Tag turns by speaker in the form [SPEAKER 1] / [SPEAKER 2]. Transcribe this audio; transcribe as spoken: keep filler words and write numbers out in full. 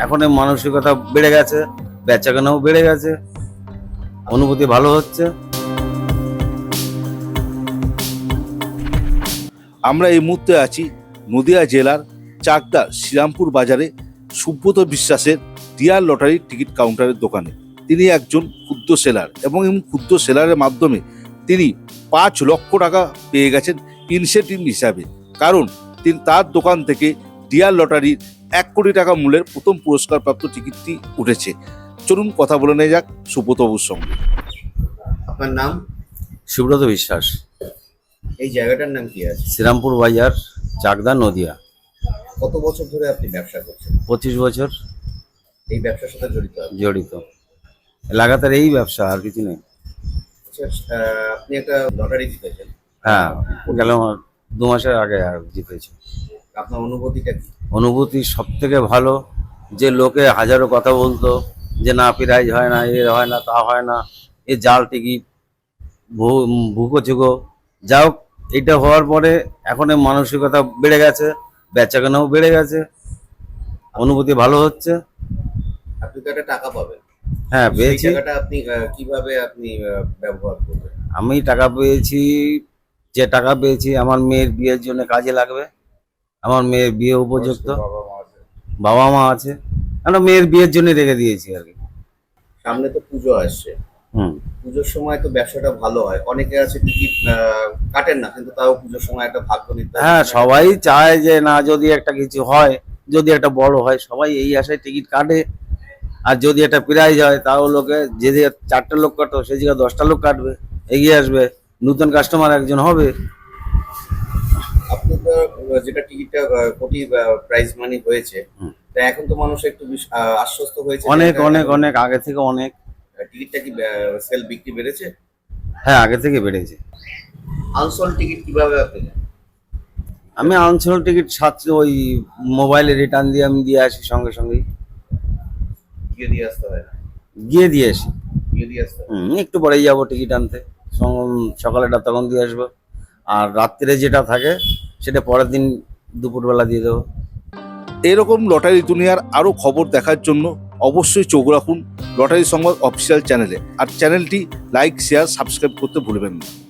[SPEAKER 1] এখন এই মানসিকতা বেড়ে গেছে, বেচাকেনাও বেড়ে গেছে, অনুভূতি ভালো হচ্ছে।
[SPEAKER 2] আমরা এই মুহূর্তে আছি নদিয়া জেলার চাকদা শ্রীরামপুর বাজারে সুব্রত বিশ্বাসের ডিয়ার লটারির টিকিট কাউন্টারের দোকানে। তিনি একজন ক্ষুদ্র সেলার এবং এই ক্ষুদ্র সেলারের মাধ্যমে তিনি পাঁচ লক্ষ টাকা পেয়ে গেছেন ইনসেন্টিভ হিসাবে, কারণ তিনি তার দোকান থেকে ডিয়ার লটারির এক কোটি টাকা মূল্যের প্রথম পুরস্কারপ্রাপ্ত টিকিটটি উঠেছে। চলুন কথা বলে নেওয়া যাক সুব্রতবাবুর সঙ্গে।
[SPEAKER 3] আপনার নাম?
[SPEAKER 1] সুব্রত বিশ্বাস।
[SPEAKER 3] এই জায়গাটার নাম কি আছে?
[SPEAKER 1] শ্রীরামপুর বাজার, চাকদা, নদিয়া।
[SPEAKER 3] কত বছর ধরে আপনি ব্যবসা করছেন?
[SPEAKER 1] পঁচিশ বছর
[SPEAKER 3] এই ব্যবসার সাথে জড়িত আপনি?
[SPEAKER 1] জড়িত, লাগাতার এই ব্যবসা, আর কিছু নেই।
[SPEAKER 3] আচ্ছা, আহ, আপনি একটা লটারি জিতেছেন।
[SPEAKER 1] হ্যাঁ, গেল দু মাসের আগে আর জিতেছি।
[SPEAKER 3] আপনার অনুভূতিটা কি?
[SPEAKER 1] অনুভূতি সব থেকে ভালো, যে লোকে হাজারো কথা বলতো যে না প্রাইজ হয় না, এ হয় না, তা হয় না, এ জাল টিকিট, ভুকো চুকো, যা হোক এটা হওয়ার পরে এখন এই মানসিকতা বেড়ে গেছে, বেচাকেনাও বেড়ে গেছে, অনুভূতি ভালো হচ্ছে।
[SPEAKER 3] আপনি তো একটা টাকা পাবেন।
[SPEAKER 1] হ্যাঁ,
[SPEAKER 3] সেই
[SPEAKER 1] পেয়েছি।
[SPEAKER 3] টাকাটা আপনি আহ, কিভাবে আপনি আহ, ব্যবহার করবেন?
[SPEAKER 1] আমি টাকা পেয়েছি, যে টাকা পেয়েছি আমার মেয়ের বিয়ের জন্য কাজে লাগবে। আমার মেয়ের বিয়ে উপযুক্ত,
[SPEAKER 3] বাবা মা আছে।
[SPEAKER 1] বাবা মা আছে, আমরা মেয়ের বিয়ের জন্য রেখে দিয়েছি আর কি।
[SPEAKER 3] সামনে তো পুজো আসছে।
[SPEAKER 1] হুম।
[SPEAKER 3] পুজোর সময় তো ব্যবসাটা ভালো হয়। অনেকে আছে টিকিট আহ, কাটেন না, কিন্তু তাও পুজোর সময় একটা ভাগ্য নির্ধারণ।
[SPEAKER 1] হ্যাঁ, সবাই চায় যে না যদি একটা কিছু হয়, যদি একটা বড় হয়, সবাই এই আশায় টিকিট কাটে। আর যদি একটা প্রাইজ হয় তাও লোকে, যে যে চারটা লোক কাটো সেই জায়গায় দশটা লোক কাটবে, এগিয়ে আসবে, নতুন কাস্টমার একজন হবে।
[SPEAKER 3] আপনার আহ, যেটা টিকিটটা আহ, কোটি প্রাইজ মানি হয়েছে,
[SPEAKER 1] হুম।
[SPEAKER 3] তা এখন তো মানুষ একটু বিশ- আহ, আশ্বস্ত হয়েছে।
[SPEAKER 1] অনেক অনেক অনেক আগে থেকে অনেক।
[SPEAKER 3] টিকিটটা কি সেল বিক্রি বেড়েছে?
[SPEAKER 1] হ্যাঁ, আগে থেকে বেড়েছে।
[SPEAKER 3] আনসোল্ড টিকিট কিভাবে আপনি নেন?
[SPEAKER 1] আমি আনসোল্ড টিকিট সাথে ওই মোবাইলে রিটার্ন দিয়ে আমি দিয়ে আসি, সঙ্গে সঙ্গেই
[SPEAKER 3] গিয়ে দিয়ে আসতে হয় না?
[SPEAKER 1] গিয়ে দিয়ে আসি।
[SPEAKER 3] গিয়ে দিয়ে আসতে হয়।
[SPEAKER 1] হুম, একটু পরেই যাবো টিকিট আনতে, সং- সকালেটা তখন দিয়ে আসবো, আর রাত্রে যেটা থাকে সেটা পরের দিন দুপুরবেলা দিয়ে দেবো।
[SPEAKER 2] এরকম লটারি দুনিয়ার আরও খবর দেখার জন্য অবশ্যই চোখ রাখুন লটারি সংবাদ অফিসিয়াল চ্যানেলে, আর চ্যানেলটি লাইক, শেয়ার, সাবস্ক্রাইব করতে ভুলবেন না।